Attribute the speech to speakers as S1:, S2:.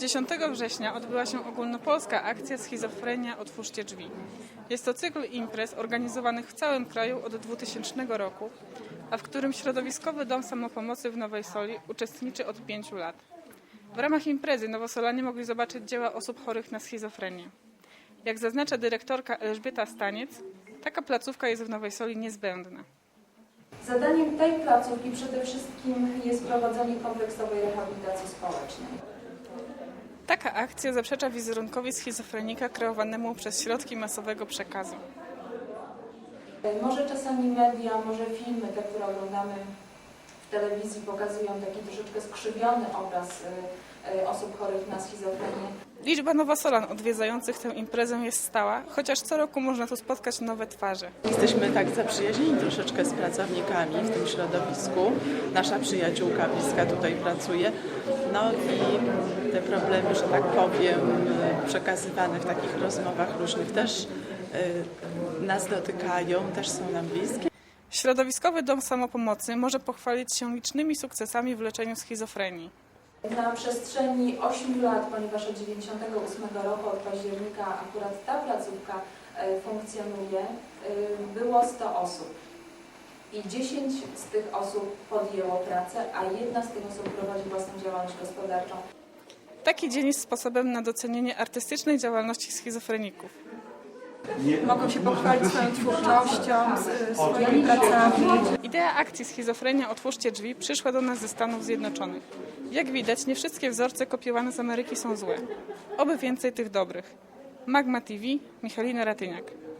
S1: 10 września odbyła się ogólnopolska akcja Schizofrenia Otwórzcie Drzwi. Jest to cykl imprez organizowanych w całym kraju od 2000 roku, a w którym Środowiskowy Dom Samopomocy w Nowej Soli uczestniczy od 5 lat. W ramach imprezy nowosolanie mogli zobaczyć dzieła osób chorych na schizofrenię. Jak zaznacza dyrektorka Elżbieta Staniec, taka placówka jest w Nowej Soli niezbędna.
S2: Zadaniem tej placówki przede wszystkim jest prowadzenie kompleksowej rehabilitacji społecznej.
S1: Taka akcja zaprzecza wizerunkowi schizofrenika kreowanemu przez środki masowego przekazu.
S2: Może czasami media, może filmy, te, które oglądamy w telewizji, pokazują taki troszeczkę skrzywiony obraz osób chorych na schizofrenię.
S1: Liczba nowosolan odwiedzających tę imprezę jest stała, chociaż co roku można tu spotkać nowe twarze.
S3: Jesteśmy tak zaprzyjaźnieni troszeczkę z pracownikami w tym środowisku. Nasza przyjaciółka bliska tutaj pracuje. No i te problemy, że tak powiem, przekazywane w takich rozmowach różnych też nas dotykają, też są nam bliskie.
S1: Środowiskowy Dom Samopomocy może pochwalić się licznymi sukcesami w leczeniu schizofrenii.
S2: Na przestrzeni 8 lat, ponieważ od 1998 roku, od października akurat ta placówka funkcjonuje, było 100 osób. I 10 z tych osób podjęło pracę, a jedna z tych osób prowadzi własną działalność gospodarczą.
S1: Taki dzień jest sposobem na docenienie artystycznej działalności schizofreników.
S4: Mogą się pochwalić swoją twórczością, swoimi pracami.
S1: Idea akcji Schizofrenia Otwórzcie Drzwi przyszła do nas ze Stanów Zjednoczonych. Jak widać, nie wszystkie wzorce kopiowane z Ameryki są złe. Oby więcej tych dobrych. Magma TV, Michalina Ratyniak.